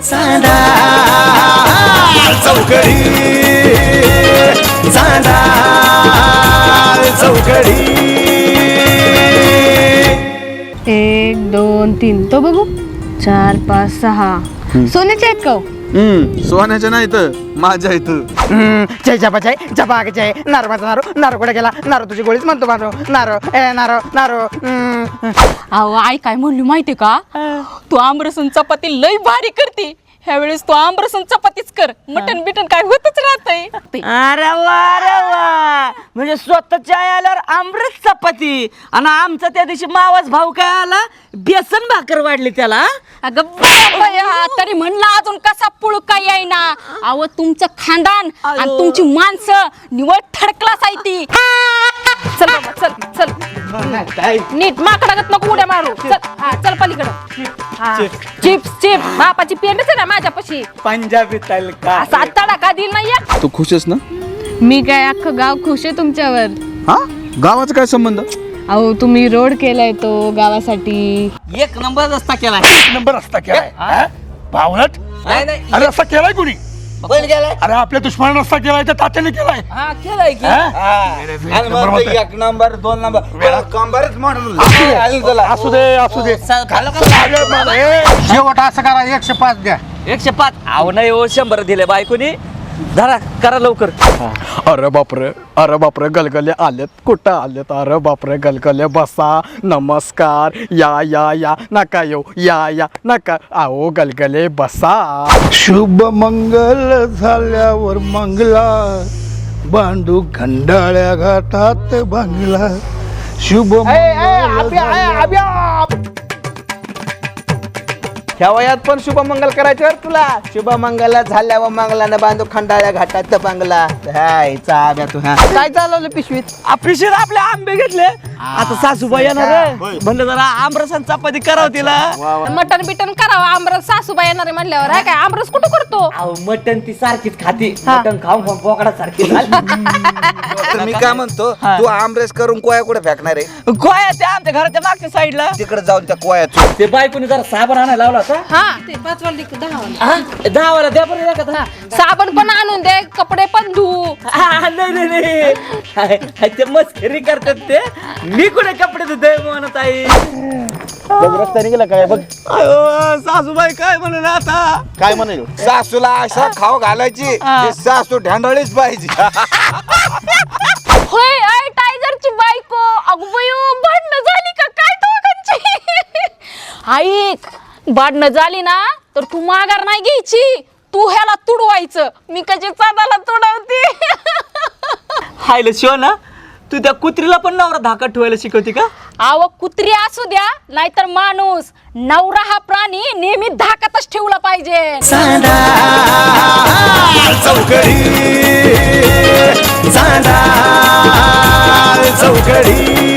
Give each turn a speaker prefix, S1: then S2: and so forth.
S1: चांदा चौकडी चांदा चौकडी
S2: 1 2 3 तो बघू 4 5 6 सोन्याचे आहेत का हो?
S3: सोन्याच्या नाही तर माझ्या इथं
S4: जय जपा जय जपा जय नारो माझा नारो नारो कुठे गेला नारो तुझी गोळीच म्हणतो माझो नारो ए नारो नारो
S2: अहो आई काय म्हणली माहितीये का तू आमरसून चपाती लई भारी करते ह्यावेळेस तू आमरसून चपातीच कर मटन बिटन काय होतच राहतंय
S4: अरे वा म्हणजे स्वतःच्या आल्यावर अमृत चपाती आणि आमचा त्या दिवशी मावाच भाऊ काय आला बेसन भाकर वाढली त्याला
S2: अगं बाया, तरी म्हणलं अजून कसा पुळका येईना अहो तुमचं खानदान आणि तुमची माणसं निवड थर्ड क्लास आहे ती चल बाबा, चल चल नीट माकडागत नको उड्या मारू चल हा चल पलीकडं चिप्स चिप्स बापाची पेंडच आहे ना माझ्यापाशी
S4: पंजाबी तलका
S2: असा तडाखा दिल नाहीये
S3: तू खुश आहेस ना?
S2: मी काय अख्खं गाव खुश आहे तुमच्यावर
S3: हा गावाचा काय संबंध?
S2: अहो तुम्ही रोड केलाय तो गावासाठी
S4: एक नंबर रस्ता केलाय
S5: नंबर रस्ता केलाय भावनट अरे रस्ता केलाय कुणी
S4: कोण गेलाय
S5: अरे आपल्या दुश्मनाने रस्ता केलाय तर तात्याने केलाय
S4: हा केलाय की
S5: एक नंबर म्हणतोय.
S6: एक नंबर 2 नंबर कंबरच म्हणून
S5: असू दे असू दे शेवट असं करा 105 द्या
S4: 105 आव नाही हो 100 दिले बायकोनी धरा करा लवकर
S3: अरे बापरे गलगले आलेत कुठं आलेत अरे बापरे गलगले बसा नमस्कार या नका येऊ या नका आओ गलगले बसा
S5: शुभ मंगल झाल्यावर मंगला बांडू खंडाळ्या घाटात बांगला शुभ
S6: ह्या वयात पण शुभमंगल करायचं तुला शुभमंगल झाल्यावर मंगलानं बांधू खंडाळ्या घाटात बांगला तू काय चालवलं पिशवीत
S4: पिशीर आपले आंबे घेतले आता सासूबाई येणार म्हणलं जरा आमरसान चपाती करावं तिला
S2: मटन बिटन करावं आमरस सासूबाई येणारे म्हणल्यावर आहे काय आमरस कुठं करतो
S4: अहो मटन ती सारखीच खाती मटन खाऊन खाऊन बोकडा सारखी झाली
S6: मी काय म्हणतो तू आमरेस करून कोया कुठे फेकणार आहे
S4: गोया ते आमच्या घराच्या मागच्या साईडला
S6: तिकडे जाऊन त्या कोयात
S4: ते बायकोनी जरा साबण आणायला लावला होता
S2: हा ते 5 वाली 10 वाली
S4: 10 वाला द्या बरं एखादा.
S2: साबण पण आणून दे कपडे पण धू
S4: नाही ते मस्करी करतात ते मी कुठे कपडे धुते म्हणत आहे
S6: रस्ता निघाला काय बघ
S4: सासूबाई काय म्हणून आता
S6: काय म्हणेल सासूला अशा खाऊ घालायची की सासू ढांडळीच पाहिजे
S2: होय आय टायगरची बायको अगबयो भांडणं झाली का काय दोघांची ऐक भांडणं झाली ना तर तू माघार नाही घ्यायची तू ह्याला तुडवायचं मी कशी चांदाला तुडवते
S4: हायला शिव ना तू त्या कुत्रीला पण नवरा धाकात ठेवायला शिकवते का
S2: आव कुत्री असू द्या नाहीतर माणूस नवरा हा प्राणी नेहमी धाकातच ठेवला पाहिजे
S1: चांदा चौकडी चांदा चौकडी